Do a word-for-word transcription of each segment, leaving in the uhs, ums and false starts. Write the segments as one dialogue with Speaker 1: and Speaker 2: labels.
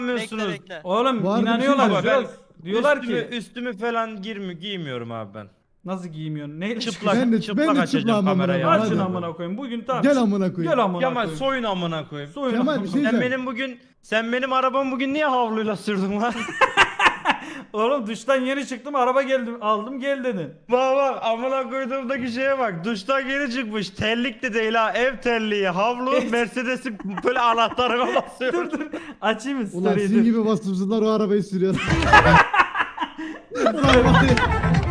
Speaker 1: inanmıyorsunuz.
Speaker 2: Bekle bekle.
Speaker 3: Oğlum
Speaker 4: Var bir
Speaker 3: inanıyorlar.
Speaker 4: şey
Speaker 1: Ama
Speaker 3: Jurox.
Speaker 1: ben
Speaker 3: Diyorlar
Speaker 1: üstümü,
Speaker 3: ki
Speaker 1: üstümü falan girmi giymiyorum abi ben.
Speaker 3: nasıl giymiyorsun? Neyle
Speaker 1: Çıplak
Speaker 4: Ben de-
Speaker 1: çıplak
Speaker 4: ben de
Speaker 1: açacağım
Speaker 4: çıplağım amına
Speaker 1: kamerayı.
Speaker 4: koyayım,
Speaker 3: Açın
Speaker 4: hadi.
Speaker 3: amına koyayım. Bugün tamam.
Speaker 4: Gel amına koyayım.
Speaker 3: Gel amına
Speaker 1: Kemal
Speaker 3: koyayım.
Speaker 1: soyun amına koyayım.
Speaker 3: Soyun
Speaker 4: Kemal,
Speaker 3: amına
Speaker 4: bir şey
Speaker 1: Sen
Speaker 4: diyeceğim.
Speaker 1: benim bugün sen benim arabamı bugün niye havluyla sürdün lan?
Speaker 3: Oğlum duştan yeni çıktım araba geldim aldım gel dedin.
Speaker 1: Bak bak amına koyduğumdaki şeye bak. Duştan geri çıkmış. Terlik de değil ha. Ev terliği, havlu, Mercedes'in böyle anahtarına basıyor.
Speaker 3: Dur dur açayım mı
Speaker 4: Ulan
Speaker 3: story'i?
Speaker 4: sizin
Speaker 3: dur.
Speaker 4: gibi vasıfsızlar o arabayı sürüyor. Ulan var ya.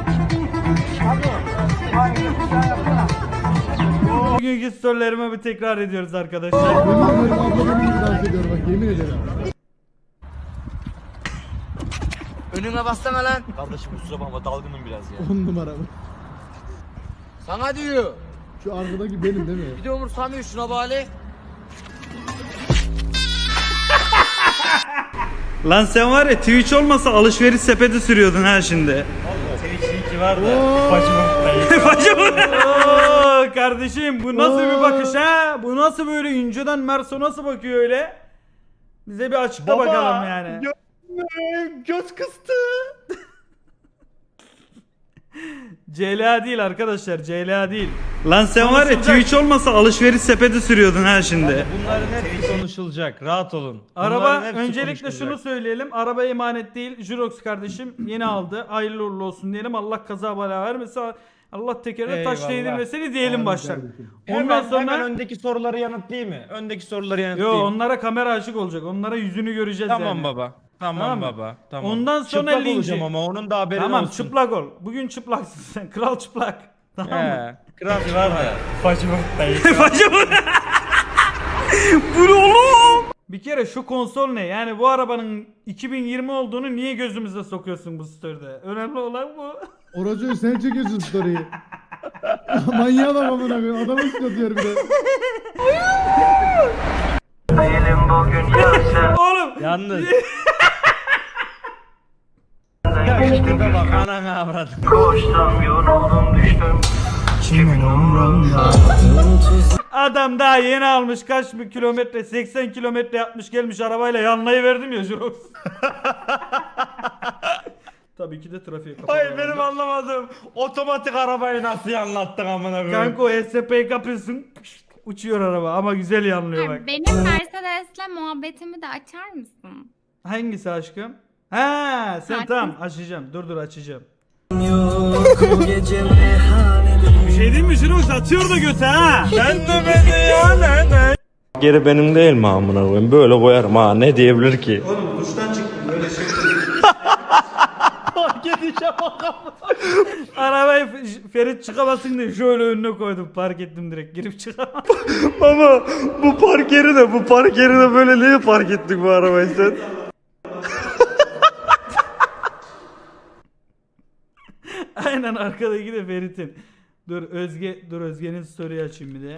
Speaker 3: Bugünkü storylerimi bir tekrar ediyoruz arkadaşlar.
Speaker 4: Yemin ederim abla benim gibi dans ediyor bak yemin ederim.
Speaker 2: Önüme bassana lan.
Speaker 5: Kardeşim kusura bakma dalgınım biraz ya.
Speaker 4: On numara bu.
Speaker 2: Sana diyor.
Speaker 4: Şu arkadaki benim değil mi?
Speaker 2: Bir de umursamıyor şuna bari.
Speaker 3: Lan sen var ya Twitch olmasa alışveriş sepeti sürüyordun ha şimdi.
Speaker 1: Twitch ki var da.
Speaker 3: Oo, kardeşim bu nasıl bir bakış ha? Bu nasıl böyle inceden Merso nasıl bakıyor öyle? Bize bir açıkla bakalım yani.
Speaker 1: Gö- göz kıstı.
Speaker 3: C L A değil arkadaşlar C L A değil. Lan sen var ya Twitch olmasa alışveriş sepeti sürüyordun ha şimdi.
Speaker 1: Bunların hepsi konuşulacak. Rahat olun.
Speaker 3: Araba
Speaker 1: Bunların hepsi
Speaker 3: öncelikle
Speaker 1: konuşulacak.
Speaker 3: şunu söyleyelim. Araba emanet değil. Jurox kardeşim yeni aldı. Hayırlı uğurlu olsun diyelim. Allah kaza bela vermesin. Allah tekerine taş
Speaker 1: Eyvallah.
Speaker 3: değdirmesini diyelim
Speaker 4: Amin
Speaker 3: baştan.
Speaker 4: kardeşim.
Speaker 3: Ondan
Speaker 1: Hemen,
Speaker 3: sonra
Speaker 1: hemen öndeki soruları yanıtlayayım mı? Öndeki soruları
Speaker 3: yo
Speaker 1: yanıtlayayım.
Speaker 3: onlara kamera açık olacak. Onlara yüzünü göreceğiz
Speaker 1: Tamam
Speaker 3: yani.
Speaker 1: baba. Tamam,
Speaker 3: Tamam mı?
Speaker 1: baba. Tamam.
Speaker 3: Ondan sonra
Speaker 1: çıplak
Speaker 3: linci.
Speaker 1: olacağım ama onun da haberi
Speaker 3: Tamam
Speaker 1: olsun.
Speaker 3: çıplak ol. Bugün çıplaksın sen. Kral çıplak. Tamam mı?
Speaker 1: He. Kral var da.
Speaker 3: Bu ne oğlum? Bir kere şu konsol ne? Yani bu arabanın iki bin yirmi olduğunu niye gözümüze sokuyorsun bu story'de? Önemli olan bu.
Speaker 4: Oracı sen çekiyorsun story'i. Manyağı da amına koyayım. Adamı sıkatıyor bir de.
Speaker 3: Oğlum.
Speaker 1: Yalnız. Ya işte bak anana avradım.
Speaker 3: Adam daha yeni almış kaç bir kilometre seksen kilometre yapmış gelmiş arabayla yanlayı verdim ya Jurox. Tabii ki de trafiğe kapalı.
Speaker 1: Hayır benim anlamadım. Otomatik arabayı nasıl anlattın amına koyayım?
Speaker 3: Kanka o S P'yi kapıyorsun uçuyor araba ama güzel yanlıyor bak.
Speaker 6: Benim Mercedes'le muhabbetimi de açar mısın?
Speaker 3: Hangisi aşkım? Ha sen
Speaker 6: Sakin.
Speaker 3: tamam açacağım dur dur açacağım.
Speaker 5: Bir şey değil mi Jirox atıyor da göte ha.
Speaker 1: Sen de beni ya ne ne? Geri benim değil mi amına koyayım? Böyle koyarım ha ne diyebilir ki?
Speaker 3: Oğlum duştan çıktım böyle şey.
Speaker 1: Fark edeceğim
Speaker 3: Arabayı F- Ferit çıkamasın diye şöyle önüne koydum park ettim direkt girip çıkamam.
Speaker 1: Baba bu park yeri de bu park yeri de böyle niye park ettik bu arabayı sen?
Speaker 3: Aynen arkadaki de Ferit'in. Dur Özge dur Özge'nin story açayım bir de.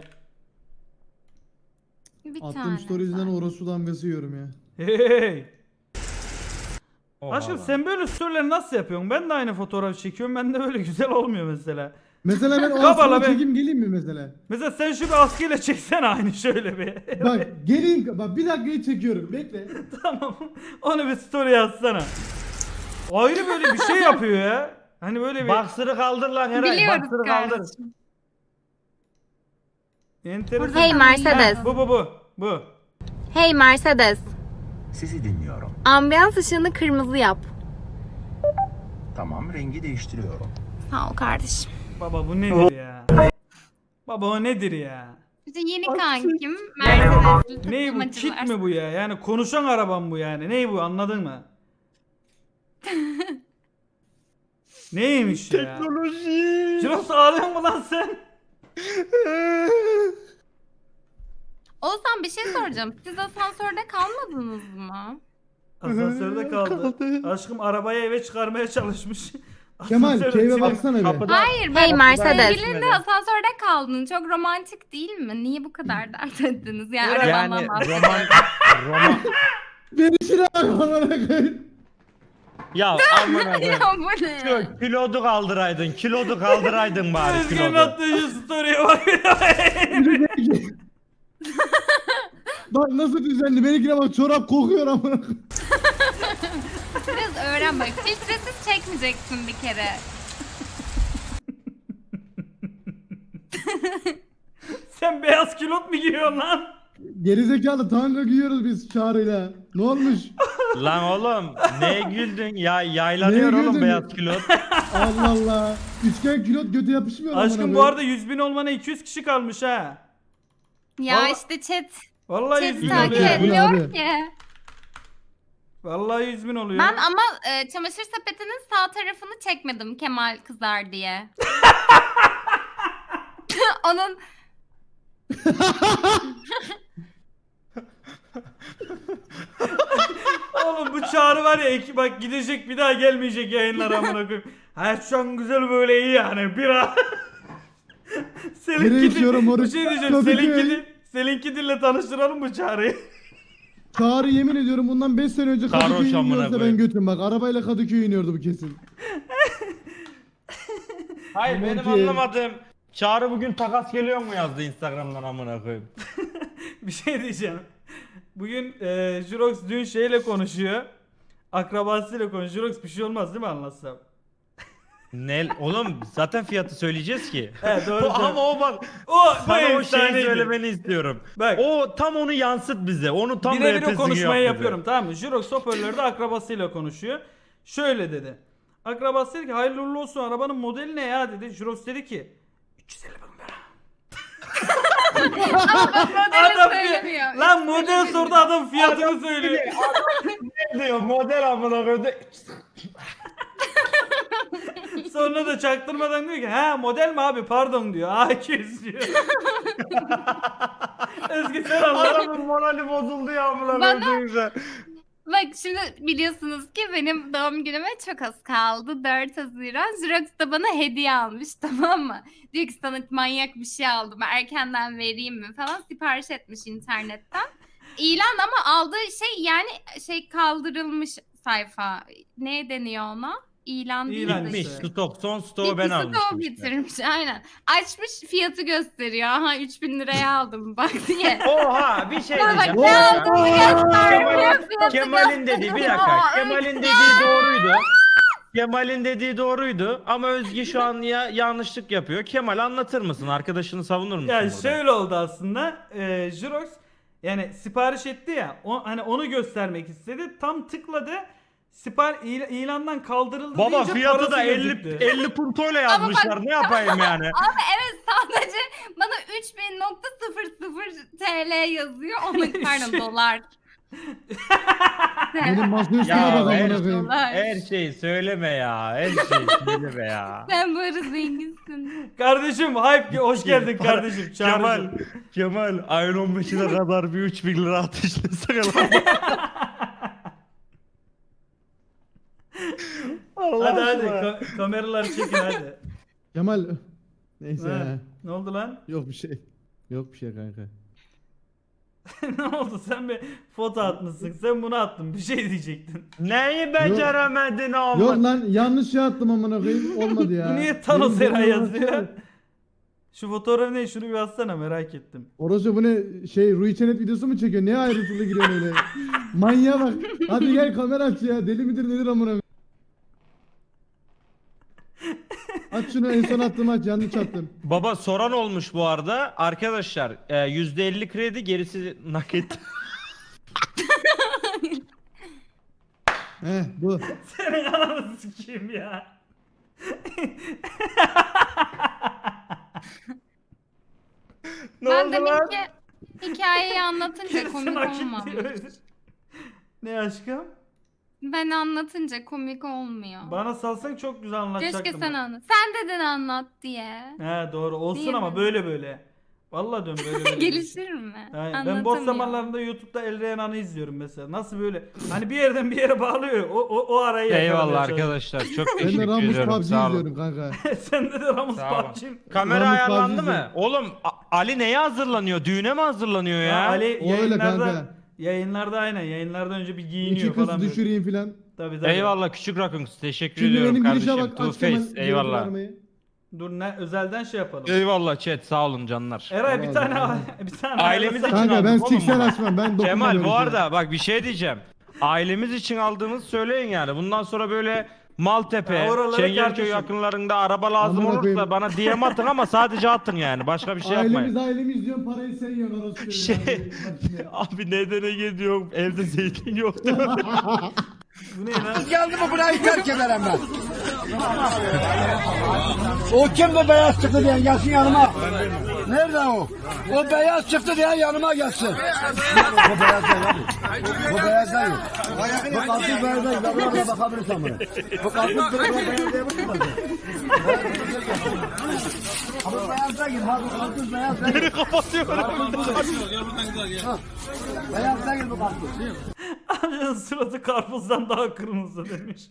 Speaker 6: Bir
Speaker 4: Attığım
Speaker 6: tane.
Speaker 4: story yüzünden orası damgası yiyorum ya.
Speaker 3: Hey. Aşkım sen böyle storyleri nasıl yapıyorsun? Ben de aynı fotoğraf çekiyorum. Ben de böyle güzel olmuyor mesela.
Speaker 4: Mesela ben o
Speaker 3: Kapalı
Speaker 4: askıla
Speaker 3: be.
Speaker 4: çekeyim geleyim mi mesela?
Speaker 3: Mesela sen şu bir askıyla çeksene aynı şöyle bir.
Speaker 4: Bak geleyim bak bir dakikayı çekiyorum bekle.
Speaker 3: Tamam. Onu bir story yazsana. Ayrı böyle bir şey yapıyor ya. Hani böyle bir
Speaker 1: Baksırı kaldır lan Eray.
Speaker 6: Biliyoruz
Speaker 1: Baksırı kaldır.
Speaker 6: kardeşim.
Speaker 3: enteresan.
Speaker 6: Hey Mercedes.
Speaker 3: Ha, bu bu bu. Bu.
Speaker 6: Hey Mercedes.
Speaker 7: Sizi dinliyorum.
Speaker 6: Ambiyans ışığını kırmızı yap.
Speaker 7: Tamam, rengi değiştiriyorum.
Speaker 6: Sağ ol kardeşim.
Speaker 3: Baba bu nedir ya? Baba o nedir ya?
Speaker 6: İşte yeni kankim Mercedes'li
Speaker 3: Ney bu?
Speaker 6: takılmacılar.
Speaker 3: Kit mi bu ya? Yani konuşan arabam bu yani. Ney bu anladın mı? Neymiş ya?
Speaker 1: Teknoloji.
Speaker 3: Jirox ağlıyor mu lan sen?
Speaker 6: Oğuzhan bir şey soracağım. Siz asansörde kalmadınız mı?
Speaker 3: Asansörde kaldı. Aşkım arabayı eve çıkarmaya çalışmış.
Speaker 4: Kemal
Speaker 3: Asansörde
Speaker 4: keyfe
Speaker 3: çivi-
Speaker 4: baksana bir.
Speaker 1: Kapıda-
Speaker 6: Hayır
Speaker 1: Hey
Speaker 6: ben
Speaker 1: Mercedes.
Speaker 6: sevgilinle asansörde kaldın. Çok romantik değil mi? Niye bu kadar dert ettiniz? Yani, arabandan
Speaker 1: Yani
Speaker 6: bahsediyorum.
Speaker 1: roman roman
Speaker 4: Beni şuna bak amına koyayım.
Speaker 1: ya amına koyayım.
Speaker 6: Ya bu ne?
Speaker 1: Şu kilodu kaldıraydın. Kilodu kaldıraydın bari
Speaker 3: Özgür'ün
Speaker 1: kilodu.
Speaker 3: attığı şu story'e bak.
Speaker 4: Bak nasıl düzenli. Benimkine bak çorap kokuyor amına.
Speaker 6: Biraz öğren bak. Filtresiz çekmeyeceksin bir kere.
Speaker 3: Sen beyaz külot mu giyiyorsun lan?
Speaker 4: Gerizekalı tanga giyiyoruz biz Çağrı'yla. Ne olmuş?
Speaker 1: Lan oğlum neye güldün? Ya yaylanıyor
Speaker 4: Neye
Speaker 1: oğlum
Speaker 4: güldün?
Speaker 1: beyaz külot.
Speaker 4: Allah Allah. Üçgen külot göte yapışmıyor amına
Speaker 3: Aşkım bu
Speaker 4: koyayım.
Speaker 3: arada yüz bin olmana iki yüz kişi kalmış ha.
Speaker 6: Ya
Speaker 3: Vallahi-
Speaker 6: işte chat.
Speaker 3: Vallahi yüz
Speaker 6: Chat
Speaker 3: bin
Speaker 6: takip
Speaker 3: oluyor.
Speaker 4: et.
Speaker 6: etmiyor
Speaker 4: Abi.
Speaker 6: ki.
Speaker 3: Vallahi yüz bin oluyor.
Speaker 6: Ben ama e, çamaşır sepetinin sağ tarafını çekmedim Kemal kızar diye. Onun
Speaker 3: Oğlum bu Çağrı var ya iki, bak gidecek bir daha gelmeyecek yayınlara amına koyayım. Hayat şu an güzel böyle iyi yani bir an.
Speaker 4: Nereye
Speaker 3: Selinki
Speaker 4: içiyorum
Speaker 3: bir
Speaker 4: orası?
Speaker 3: şey diyeceğim.
Speaker 4: Kadıköy.
Speaker 3: Selinki dil, Selinki dille tanıştıralım bu Çağrı'yı.
Speaker 4: Çağrı yemin ediyorum bundan beş sene önce
Speaker 1: Sarhoş
Speaker 4: Kadıköy'e
Speaker 1: amına
Speaker 4: iniyorsa ben
Speaker 1: koyayım.
Speaker 4: götüm bak. Arabayla Kadıköy'e iniyordu bu kesin.
Speaker 1: Hayır
Speaker 4: Aman
Speaker 1: benim
Speaker 4: ki.
Speaker 1: anlamadığım. Çağrı bugün takas geliyor mu yazdı Instagram'dan amına koyayım.
Speaker 3: Bir şey diyeceğim. Bugün e, Jurox dün şeyle konuşuyor. Akrabasıyla konuşuyor. Jurox bir şey olmaz değil mi anlatsam?
Speaker 1: Ne oğlum zaten fiyatı söyleyeceğiz ki.
Speaker 3: He doğru.
Speaker 1: Bu- ama o bak
Speaker 3: o bu
Speaker 1: sana o şeyi
Speaker 3: efsaneydi.
Speaker 1: söylemeni istiyorum.
Speaker 3: Bak.
Speaker 1: O tam onu yansıt bize. Onu tam
Speaker 3: Birebir o
Speaker 1: repesini
Speaker 3: konuşmayı
Speaker 1: yap bize.
Speaker 3: yapıyorum tamam mı? Jurox hoparlörde akrabasıyla konuşuyor. Şöyle dedi. Akrabası dedi ki hayırlı uğurlu olsun arabanın modeli ne ya dedi. Jurox dedi ki üç yüz elli bin lira.
Speaker 6: modeli
Speaker 3: Adam
Speaker 6: söylemiyor.
Speaker 3: fi- lan model sordu adam fiyatını söylüyor.
Speaker 1: Ne diyor model amına koydu.
Speaker 3: Sonra da çaktırmadan diyor ki ha model mi abi pardon diyor. A iki yüz diyor. Özgü sen anladın.
Speaker 1: Adamın morali bozuldu ya amına
Speaker 6: Bana-
Speaker 1: koyduğunuzda.
Speaker 6: Bak şimdi biliyorsunuz ki benim doğum günüme çok az kaldı. dört Haziran. Xerox da bana hediye almış tamam mı? Diyor ki sana manyak bir şey aldım. Erkenden vereyim mi falan. Sipariş etmiş internetten. İlan ama aldığı şey yani şey kaldırılmış sayfa. Ne deniyor ona? İlan değil
Speaker 3: İlan
Speaker 6: de
Speaker 1: Bitmiş
Speaker 6: işte.
Speaker 1: stok son stoğu ben
Speaker 6: Bitkisi de
Speaker 1: almıştım.
Speaker 6: o
Speaker 1: işte.
Speaker 6: getirmiş aynen. Açmış fiyatı gösteriyor. Aha üç bin liraya aldım bak diye.
Speaker 1: Oha bir şey
Speaker 6: Sonra bak
Speaker 1: diyeceğim.
Speaker 6: ne aldığını göstermiyor.
Speaker 1: Kemal'in,
Speaker 6: fiyatı
Speaker 1: Kemal'in dediği bir dakika.
Speaker 6: Aa,
Speaker 1: Kemal'in dediği doğruydu. Kemal'in dediği doğruydu ama Özge şu an ya yanlışlık yapıyor. Kemal anlatır mısın? Arkadaşını savunur musun?
Speaker 3: Ya
Speaker 1: burada?
Speaker 3: şöyle oldu aslında. E, Jurox yani sipariş etti ya. O, hani onu göstermek istedi. Tam tıkladı. Sipar il- ilandan kaldırıldı
Speaker 1: Baba
Speaker 3: deyince
Speaker 1: fiyatı
Speaker 3: parası
Speaker 1: da
Speaker 3: gözüktü.
Speaker 1: elli elli puntoyla yazmışlar. Ne yapayım yani?
Speaker 6: Abi evet sadece bana üç bin nokta sıfır sıfır T L yazıyor. Onu pardon dolar.
Speaker 4: Benim masa üstüne
Speaker 1: Ya
Speaker 4: bak
Speaker 1: her,
Speaker 4: amına koyayım.
Speaker 6: dolar.
Speaker 1: her şeyi söyleme ya. Her şeyi söyleme ya.
Speaker 6: Sen böyle zenginsin.
Speaker 3: Kardeşim hype hoş geldin kardeşim.
Speaker 1: Kemal,
Speaker 3: Çağrı'cığım.
Speaker 1: Kemal ayın on beşine kadar bir üç bin lira ateşlesene lan. Allah
Speaker 3: Hadi hadi
Speaker 1: aşkına.
Speaker 3: ka- kameraları çekin hadi.
Speaker 4: Kemal. Neyse
Speaker 3: Ha,
Speaker 4: ya.
Speaker 3: ne oldu lan?
Speaker 4: Yok bir şey. Yok bir şey kanka.
Speaker 3: Ne oldu sen bir foto atmışsın. Sen bunu attın. Bir şey diyecektin.
Speaker 1: Neyi beceremedin oğlum?
Speaker 4: Yok lan yanlış şey attım amına koyayım. Olmadı ya.
Speaker 3: Bu niye Thanos
Speaker 4: Benim
Speaker 3: Eray
Speaker 4: boynuma
Speaker 3: yazıyor?
Speaker 4: baksana.
Speaker 3: Şu fotoğraf ne? Şunu bir atsana merak ettim.
Speaker 4: Orası bu ne şey Rui Çenet videosu mu çekiyor? Niye ayrıntılı giriyorsun öyle? Manyağa bak. Hadi gel kamera aç ya. Deli midir nedir amına koyayım? Aç şunu en son attım aç yanlış attım.
Speaker 1: Baba soran olmuş bu arada. Arkadaşlar e, yüzde elli kredi gerisi nakit.
Speaker 4: Heh bu.
Speaker 3: Senin ananı sikeyim ya.
Speaker 1: Ne
Speaker 6: ben
Speaker 1: oldu
Speaker 6: demin
Speaker 1: lan?
Speaker 6: ki hikayeyi anlatınca
Speaker 3: Kesin
Speaker 6: komik
Speaker 3: hak etti
Speaker 6: olmamış.
Speaker 3: öyle. Ne aşkım?
Speaker 6: Ben anlatınca komik olmuyor.
Speaker 3: Bana salsan çok güzel anlatacaktım.
Speaker 6: Keşke sen anlat. Sen dedin anlat diye.
Speaker 3: He doğru olsun
Speaker 6: Değil
Speaker 3: ama
Speaker 6: mi?
Speaker 3: böyle böyle. Vallahi dön böyle böyle.
Speaker 6: Gelişir mi?
Speaker 3: Aynen. Ben boş
Speaker 6: Anlatamıyor.
Speaker 3: zamanlarında YouTube'da El Reyhan'ı izliyorum mesela. Nasıl böyle? Hani bir yerden bir yere bağlıyor. O o, o arayı yakalamaya
Speaker 1: Eyvallah
Speaker 3: çalışıyor.
Speaker 1: arkadaşlar. Çok
Speaker 4: Ben de
Speaker 1: teşekkür
Speaker 4: Ramus
Speaker 1: ediyorum.
Speaker 4: P U B G
Speaker 1: Sağ olun.
Speaker 4: izliyorum kanka.
Speaker 3: Sende de Ramus
Speaker 1: Sağ olun.
Speaker 3: P U B G.
Speaker 1: Kamera
Speaker 4: Ramus
Speaker 1: ayarlandı
Speaker 4: P U B G
Speaker 1: mı? Oğlum A- Ali neye hazırlanıyor? Düğüne mi hazırlanıyor ya?
Speaker 3: Ya Ali
Speaker 4: O öyle
Speaker 3: yayınlarda
Speaker 4: kanka.
Speaker 3: yayınlarda aynen yayınlardan önce bir giyiniyor
Speaker 4: İki kız
Speaker 3: falan. böyle.
Speaker 4: düşüreyim filan.
Speaker 3: Tabii tabii.
Speaker 1: Eyvallah küçük rakım. Teşekkür
Speaker 4: Şimdi
Speaker 1: ediyorum
Speaker 4: benim girişe
Speaker 1: kardeşim.
Speaker 4: bak
Speaker 1: Two
Speaker 4: aç Kemal.
Speaker 1: Face. Eyvallah.
Speaker 4: görüntülerimi.
Speaker 3: Dur ne özelden şey yapalım.
Speaker 1: Eyvallah chat sağ olun canlar.
Speaker 3: Eray bir tane bir tane
Speaker 1: Ailemiz için
Speaker 4: Kanka ben
Speaker 1: aldık oğlum
Speaker 4: siksen
Speaker 1: bunu.
Speaker 4: açmam. Ben dokunmam
Speaker 1: Kemal
Speaker 4: öyle
Speaker 1: bu
Speaker 4: şeye.
Speaker 1: arada bak bir şey diyeceğim. Ailemiz için aldığınızı söyleyin yani. Bundan sonra böyle Maltepe,
Speaker 3: Ya oraları
Speaker 1: Çengelköy
Speaker 3: kardeşim.
Speaker 1: yakınlarında araba lazım
Speaker 4: Amına
Speaker 1: olursa
Speaker 4: koyayım.
Speaker 1: bana D M atın ama sadece atın yani. Başka bir şey
Speaker 4: Ailemiz
Speaker 1: yapmayın.
Speaker 4: ailemiz diyorsun parayı sen yiyorsun orası.
Speaker 1: Şey- Abi nedene gidiyorum evde zeytin yoktu.
Speaker 3: Bu ne lan?
Speaker 2: Geldi mi burayı terk ederim ben. O kim bu beyaz çıktı diye gelsin yanıma. Nerede o? O beyaz çıktı diye yanıma gelsin. Bu beyaz değil abi. Bu beyaz değil. Bu kalsız beyaz değil. Ben buraya bakabilirsen buna. Bu kalsız beyaz değil. Bu beyaz değil. Bak bu kalsız beyaz değil.
Speaker 1: Beni kapatıyorum.
Speaker 2: Beyaz değil bu kalsız.
Speaker 3: Amcanın suratı karpuzdan daha kırmızı demiş.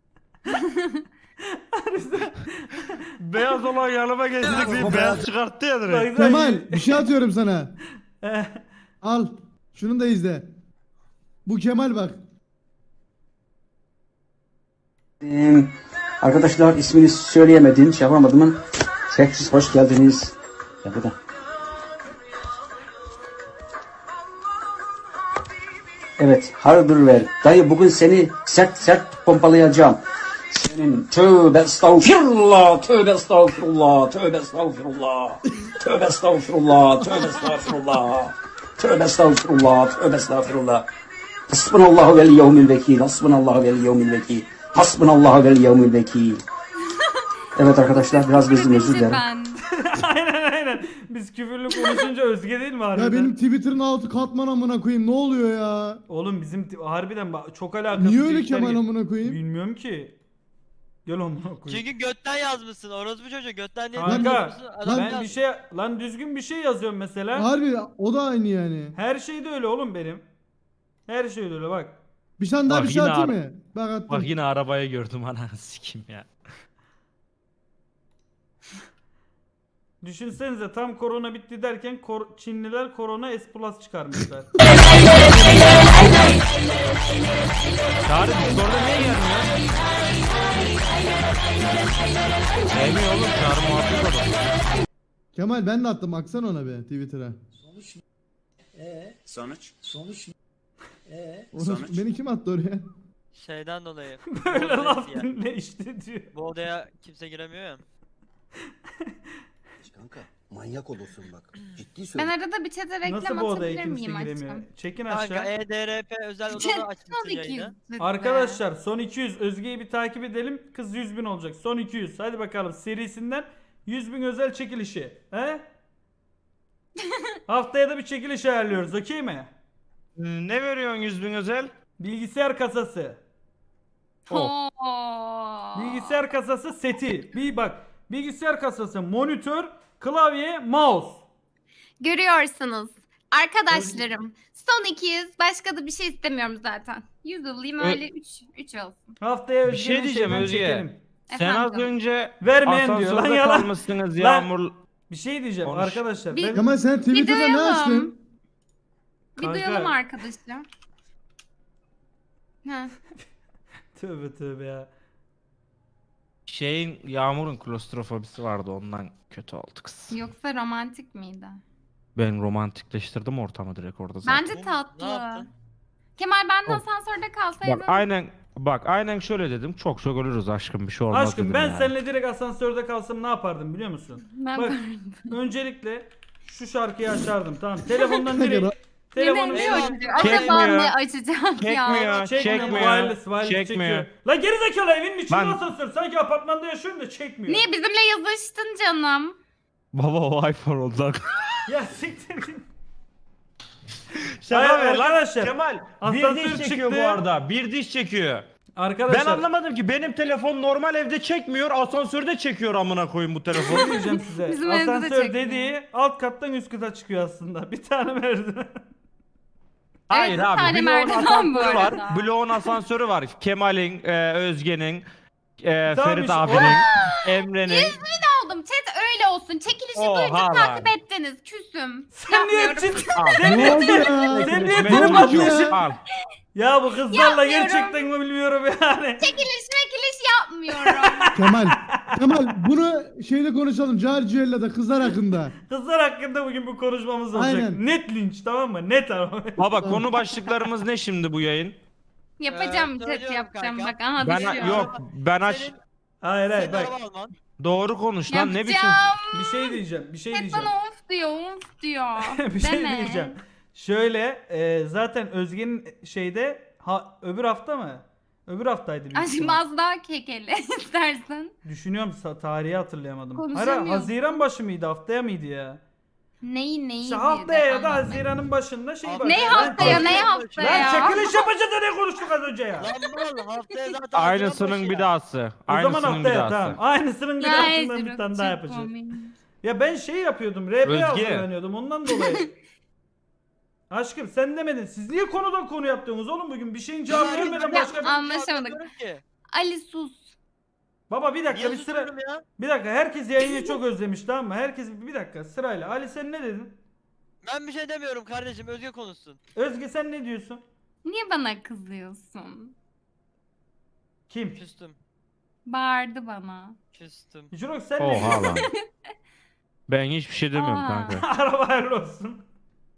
Speaker 1: Beyaz olan yanıma geçtik bir beyaz çıkarttı ya direkt.
Speaker 4: Kemal bir şey atıyorum sana.
Speaker 3: Eh,
Speaker 4: Al. Şunu da izle. Bu Kemal bak.
Speaker 8: Ee, arkadaşlar ismini söyleyemedim, şey yapamadımın. Tekrar hoş geldiniz. Ya bu da. Evet, hardır ver. Dayı bugün seni sert sert pompalayacağım. Senin tövbe estağfirullah, tövbe estağfirullah, tövbe estağfirullah, tövbe estağfirullah, tövbe estağfirullah, tövbe estağfirullah, tövbe estağfirullah. Hasbunallahu vel yevmil vekil, hasbunallahu vel yevmil vekil, hasbunallahu vel yevmil vekil. Evet arkadaşlar biraz gözüm özür dilerim.
Speaker 6: Ben.
Speaker 3: aynen aynen. Biz küfürlü konuşunca Özge değil mi harbiden?
Speaker 4: Ya benim Twitter'ın altı katman amına koyayım. Ne oluyor ya?
Speaker 3: Oğlum bizim t- harbiden bak çok alakasız.
Speaker 4: Niye öyle
Speaker 3: tweetler
Speaker 4: Kemal
Speaker 3: gel-
Speaker 4: amına koyayım?
Speaker 3: Bilmiyorum ki. Gel amına koyayım.
Speaker 9: Çünkü götten yazmışsın. Orospu çocuğu götten niye
Speaker 3: Kanka
Speaker 9: yazmışsın? Adam
Speaker 3: ben
Speaker 9: yaz-
Speaker 3: bir şey lan düzgün bir şey yazıyorum mesela.
Speaker 4: Harbi o da aynı yani.
Speaker 3: Her şey de öyle oğlum benim. Her şey de öyle bak.
Speaker 4: Bir tane daha
Speaker 1: Bak
Speaker 4: bir şey
Speaker 1: yine
Speaker 4: atayım
Speaker 1: ar-
Speaker 4: mı? Bak attım.
Speaker 1: Bak yine arabayı gördüm ananı sikim ya.
Speaker 3: Düşünsenize tam korona bitti derken kor- Çinliler korona S Plus çıkarmışlar.
Speaker 1: Çağrı Discord'a niye gelmiyor? Sevmiyor oğlum Çağrı muhabbet adam.
Speaker 4: Kemal ben de attım. Baksana ona be Twitter'a.
Speaker 7: Sonuç?
Speaker 2: Sonuç
Speaker 4: Onu, beni kim attı oraya?
Speaker 9: Şeyden dolayı.
Speaker 3: Böyle
Speaker 9: bu,
Speaker 3: laf
Speaker 9: odaya,
Speaker 3: dinle işte diyor.
Speaker 9: bu odaya kimse giremiyor ya.
Speaker 2: Kanka manyak olursun bak. Ciddi
Speaker 6: Ben
Speaker 2: söylüyorum.
Speaker 6: arada bir chat'e
Speaker 3: Nasıl
Speaker 6: reklam
Speaker 3: bu odaya
Speaker 6: atabilir
Speaker 3: kimse
Speaker 6: miyim
Speaker 3: giremiyor?
Speaker 6: aşkım?
Speaker 3: Çekin
Speaker 9: Kanka
Speaker 3: aşağı.
Speaker 9: E D R P özel odada
Speaker 6: Son
Speaker 9: açmışsın
Speaker 6: iki
Speaker 9: yayını.
Speaker 6: yüz lütfen.
Speaker 3: Arkadaşlar son iki yüz Özge'yi bir takip edelim. Kız yüz bin olacak. Son iki yüz. Hadi bakalım serisinden yüz bin özel çekilişi. He? Haftaya da bir çekiliş ayarlıyoruz. Okey mi?
Speaker 1: Ne veriyorsun yüz bin özel?
Speaker 3: Bilgisayar kasası.
Speaker 6: Oo.
Speaker 3: Bilgisayar kasası seti. Bir bak. Bilgisayar kasası, monitör, klavye, mouse.
Speaker 6: Görüyorsunuz. Arkadaşlarım. Son iki yüz. Başka da bir şey istemiyorum zaten. yüz alayım
Speaker 1: Ö-
Speaker 6: öyle üç. üç olsun.
Speaker 3: Haftaya
Speaker 1: Bir
Speaker 3: Özge'nin
Speaker 1: şey diyeceğim
Speaker 3: şeyden
Speaker 1: Özge.
Speaker 3: çekelim.
Speaker 1: Sen az
Speaker 6: Efendim?
Speaker 1: önce
Speaker 3: Vermeyen diyor lan
Speaker 1: asansörde
Speaker 3: yalan.
Speaker 1: kalmışsınız
Speaker 3: Lan.
Speaker 1: Yağmur.
Speaker 3: Bir şey diyeceğim
Speaker 1: Konuş.
Speaker 3: arkadaşlar.
Speaker 6: Bir-
Speaker 3: Ben...
Speaker 4: Kemal sen Twitter'da ne
Speaker 6: duyalım.
Speaker 4: açtın?
Speaker 6: Bir
Speaker 3: Kanka.
Speaker 6: duyalım arkadaşlar. Ha.
Speaker 3: Tövbe tövbe ya.
Speaker 1: Şeyin Yağmur'un klostrofobisi vardı ondan kötü oldu kız.
Speaker 6: Yoksa romantik miydi?
Speaker 1: Ben romantikleştirdim ortamı direkt orada zaten.
Speaker 6: Bence
Speaker 9: Ne
Speaker 6: tatlı.
Speaker 9: yaptın?
Speaker 6: Kemal ben de
Speaker 1: Oh.
Speaker 6: asansörde kalsaydım.
Speaker 1: Bak aynen bak aynen şöyle dedim. Çok çok ölürüz aşkım bir şey olmaz
Speaker 3: Aşkım
Speaker 1: dedim
Speaker 3: ben
Speaker 1: yani.
Speaker 3: seninle direkt asansörde kalsam ne yapardım biliyor musun?
Speaker 6: Ben
Speaker 3: Bak öncelikle şu şarkıyı açardım tamam. Telefondan direkt
Speaker 6: ne
Speaker 3: telefonu
Speaker 6: ne
Speaker 9: Eyvah.
Speaker 6: açacağım? Acaba
Speaker 1: Çekmiyor.
Speaker 6: ne açacağım ya?
Speaker 1: Çekmiyor,
Speaker 3: çekmiyor.
Speaker 1: çekmiyor,
Speaker 3: Wireless, wireless
Speaker 1: çekmiyor.
Speaker 3: çekiyor. Lan gerizekalı evinin içinde
Speaker 1: Lan-
Speaker 3: asansör. Sanki apartmanda yaşıyorum da çekmiyor.
Speaker 6: Niye bizimle yazıştın canım?
Speaker 1: Baba o iPhone oldu lan.
Speaker 3: Ya siktir git.
Speaker 1: Şaka
Speaker 3: Hayır,
Speaker 1: ver lan.
Speaker 3: arkadaşlar,
Speaker 1: Kemal bir
Speaker 3: asansör
Speaker 1: diş çekiyor
Speaker 3: çıktı.
Speaker 1: bu arada. Bir diş çekiyor.
Speaker 3: Arkadaşlar.
Speaker 1: Ben anlamadım ki benim telefon normal evde çekmiyor, asansörde çekiyor amına koyayım bu telefonu.
Speaker 3: Ne diyeceğim size?
Speaker 6: Bizim evde de
Speaker 3: Asansör
Speaker 6: çekmiyor.
Speaker 3: dediği alt kattan üst kata çıkıyor aslında. Bir tane merdiven.
Speaker 1: Hayır
Speaker 6: bir
Speaker 1: abi,
Speaker 6: tane
Speaker 1: bloğun
Speaker 6: merdiven bu
Speaker 1: asansörü var.
Speaker 6: arada.
Speaker 1: Bloğun asansörü var. Kemal'in, e, Özge'nin, e,
Speaker 3: Tamam
Speaker 1: Ferit
Speaker 3: işte,
Speaker 1: abinin, Emre'nin.
Speaker 6: Oldum. Chat öyle olsun. Çekilişi
Speaker 1: Oha
Speaker 6: duydum
Speaker 1: lan.
Speaker 6: takip ettiniz. Küsüm.
Speaker 3: Sen niye
Speaker 6: Yapmıyorum.
Speaker 3: ciddi?
Speaker 1: Al.
Speaker 3: Sen niye
Speaker 4: Ne oldu
Speaker 3: ciddi?
Speaker 4: ya?
Speaker 3: Sen niye
Speaker 1: Çekilişime
Speaker 3: trip
Speaker 4: Ne oldu
Speaker 3: atıyorsun?
Speaker 4: ya?
Speaker 1: Al.
Speaker 3: Ya bu kızlarla
Speaker 6: Yapmıyorum.
Speaker 3: gerçekten mi bilmiyorum yani.
Speaker 6: Çekiliş mekiliş yapmıyorum.
Speaker 4: Kemal Kemal bunu şeyde konuşalım. Carciyella'da kızlar hakkında.
Speaker 3: Kızlar hakkında bugün bu konuşmamız olacak.
Speaker 4: Aynen.
Speaker 3: Net linç, tamam mı? Net ama.
Speaker 1: Baba konu başlıklarımız ne şimdi bu yayın?
Speaker 6: Yapacağım
Speaker 9: Ee,
Speaker 6: chat
Speaker 9: söylüyorum
Speaker 6: yapacağım
Speaker 9: kanka.
Speaker 6: bak aha
Speaker 1: Ben
Speaker 6: düşüyor.
Speaker 1: yok ben aç
Speaker 9: Senin,
Speaker 3: Hayır hayır
Speaker 9: senin
Speaker 3: bak.
Speaker 9: araba alman.
Speaker 1: doğru konuş lan ne biçim
Speaker 6: Yapacağım.
Speaker 3: Bir şey diyeceğim. Bir şey
Speaker 6: Chat
Speaker 3: diyeceğim.
Speaker 6: bana of diyor of diyor.
Speaker 3: bir şey
Speaker 6: Deme.
Speaker 3: diyeceğim. Şöyle e, zaten Özge'nin şeyde ha, öbür hafta mı? Öbür haftaydı büyük
Speaker 6: Aşkım
Speaker 3: ihtimal.
Speaker 6: az daha kekele istersen.
Speaker 3: Düşünüyorum sa- tarihi hatırlayamadım. Hayır
Speaker 6: Konuşamıyorum.
Speaker 3: Haziran başı mıydı haftaya mıydı ya?
Speaker 6: Neyi neyi
Speaker 3: İşte
Speaker 6: diye
Speaker 3: haftaya
Speaker 6: de
Speaker 3: ya da
Speaker 6: anlatayım.
Speaker 3: Haziran'ın başında şey
Speaker 9: Ne
Speaker 3: var.
Speaker 6: Ne haftaya ne haftaya
Speaker 3: Lan
Speaker 6: ya?
Speaker 3: çekiliş yapacağız da ne konuştuk az önce ya?
Speaker 9: Lan mal haftaya zaten
Speaker 1: aynısının
Speaker 9: Haziran
Speaker 1: bir
Speaker 9: başı ya.
Speaker 1: dahası.
Speaker 3: O zaman
Speaker 1: Aynısının bir
Speaker 3: haftaya
Speaker 1: dahası.
Speaker 3: tamam. Aynısının bir
Speaker 6: Ya
Speaker 3: altından
Speaker 6: Ezra,
Speaker 3: bir tane daha
Speaker 6: çok
Speaker 3: yapacağız.
Speaker 6: komik.
Speaker 3: Ya ben şey yapıyordum. R P
Speaker 1: Özge.
Speaker 3: hazırlanıyordum ondan dolayı. Aşkım sen demedin. Siz niye konudan konu yaptınız oğlum bugün? Bir şeyin cevabı
Speaker 9: Ya,
Speaker 3: vermeden
Speaker 6: ya,
Speaker 3: başka bir...
Speaker 6: anlaşamadık.
Speaker 9: Anlamıyorum ki.
Speaker 6: Ali sus.
Speaker 3: Baba bir dakika
Speaker 9: Niye
Speaker 3: bir sıra...
Speaker 9: susuyorum ya?
Speaker 3: Bir dakika herkes yayını çok özlemiş tamam mı? Herkes bir dakika sırayla. Ali sen ne dedin?
Speaker 9: Ben bir şey demiyorum kardeşim, Özge konuşsun.
Speaker 3: Özge sen ne diyorsun?
Speaker 6: Niye bana kızıyorsun?
Speaker 3: Kim?
Speaker 9: Küstüm.
Speaker 6: Bağırdı bana.
Speaker 9: Küstüm.
Speaker 3: Jirok sen ne
Speaker 1: Oha
Speaker 3: diyorsun?
Speaker 1: lan. Ben hiçbir şey demiyorum
Speaker 6: Aa.
Speaker 1: kanka.
Speaker 3: Araba hayırlı olsun.